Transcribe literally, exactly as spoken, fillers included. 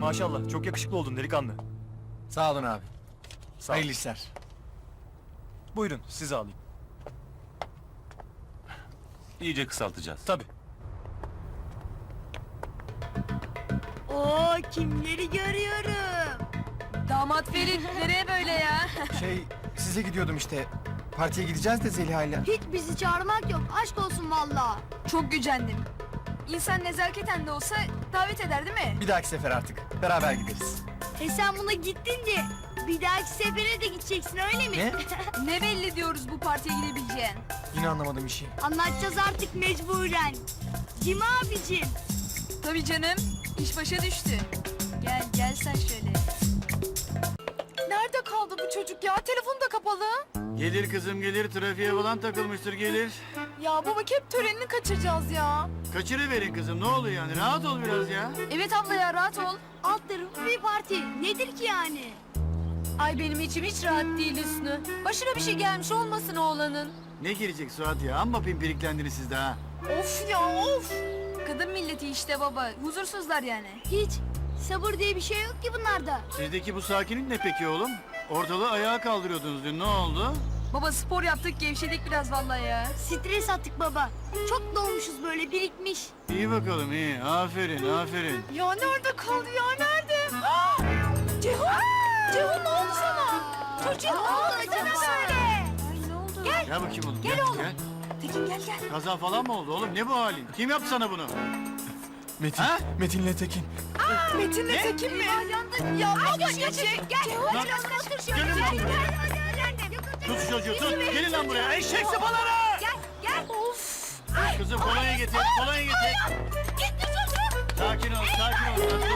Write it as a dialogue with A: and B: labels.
A: Maşallah çok yakışıklı oldun delikanlı.
B: Sağ olun abi.
A: Sağ ol.
B: Hayırlı işler.
A: Buyurun sizi alayım.
C: İyice kısaltacağız.
A: Tabii.
D: Oo, kimleri görüyorum.
E: Damat Ferit nereye böyle ya?
B: Şey, size gidiyordum işte. Partiye gideceğiz de Zeliha'yla.
D: Hiç bizi çağırmak yok. Aşk olsun vallahi.
E: Çok gücendim. İnsan nezaketen de olsa davet eder değil mi?
B: Bir dahaki sefer artık. Beraber gideriz.
D: E sen buna gittin de bir dahaki sefere de gideceksin öyle mi?
B: Ne?
E: Ne belli diyoruz bu partiye gidebileceğin?
B: Yine anlamadım işi.
D: Anlatacağız artık mecburen. Değil mi abicim?
E: Tabii canım. İş başa düştü. Gel gel sen şöyle. Nerede kaldı bu çocuk ya? Telefonu da kapalı.
F: Gelir kızım gelir, trafiğe falan takılmıştır gelir.
E: Ya baba hep törenini kaçıracağız ya.
F: Kaçırıverin kızım, ne oluyor yani, rahat ol biraz ya.
E: Evet abla ya rahat ol.
D: Alt tarafı bir parti. Nedir ki yani?
E: Ay benim içim hiç rahat değil Hüsnü. Başına bir şey gelmiş olmasın oğlanın.
F: Ne girecek Suat ya, amma pimpiriklendiniz siz de ha.
E: Of ya of. Kadın milleti işte baba. Huzursuzlar yani.
D: Hiç. Sabır diye bir şey yok ki bunlarda.
F: Sizdeki bu sakinlik ne peki oğlum? Ortalığı ayağa kaldırıyordunuz dün, ne oldu?
E: Baba spor yaptık gevşedik biraz vallahi ya.
D: Stres attık baba. Çok dolmuşuz böyle birikmiş.
F: İyi bakalım iyi, aferin aferin.
E: Ya nerede kaldı ya nerede? Aa! Ceyhun! Ceyhun ne oldu sana? Çocuğum ne oldu sana böyle? Ay ne oldu? Gel.
F: Gel bakayım oğlum,
E: Gel
F: gel.
E: oğlum.
F: Gel.
E: Tekin gel gel.
F: Kaza falan mı oldu oğlum, ne bu halin? Kim yaptı sana bunu?
B: Metin,
F: Ha?
B: Metin'le Tekin.
E: Metin'le
F: Ne?
E: Tekin mi? Ya baba geçecek. Gel.
F: Lan, gelin lan buraya. Tut şu çocuğu tut, gelin lan buraya, eşek sıpaları!
E: Gel gel. Of.
F: Kızım kolonya getir, kolonya getir.
E: Gitti çocuğum.
F: Sakin ol, sakin ol.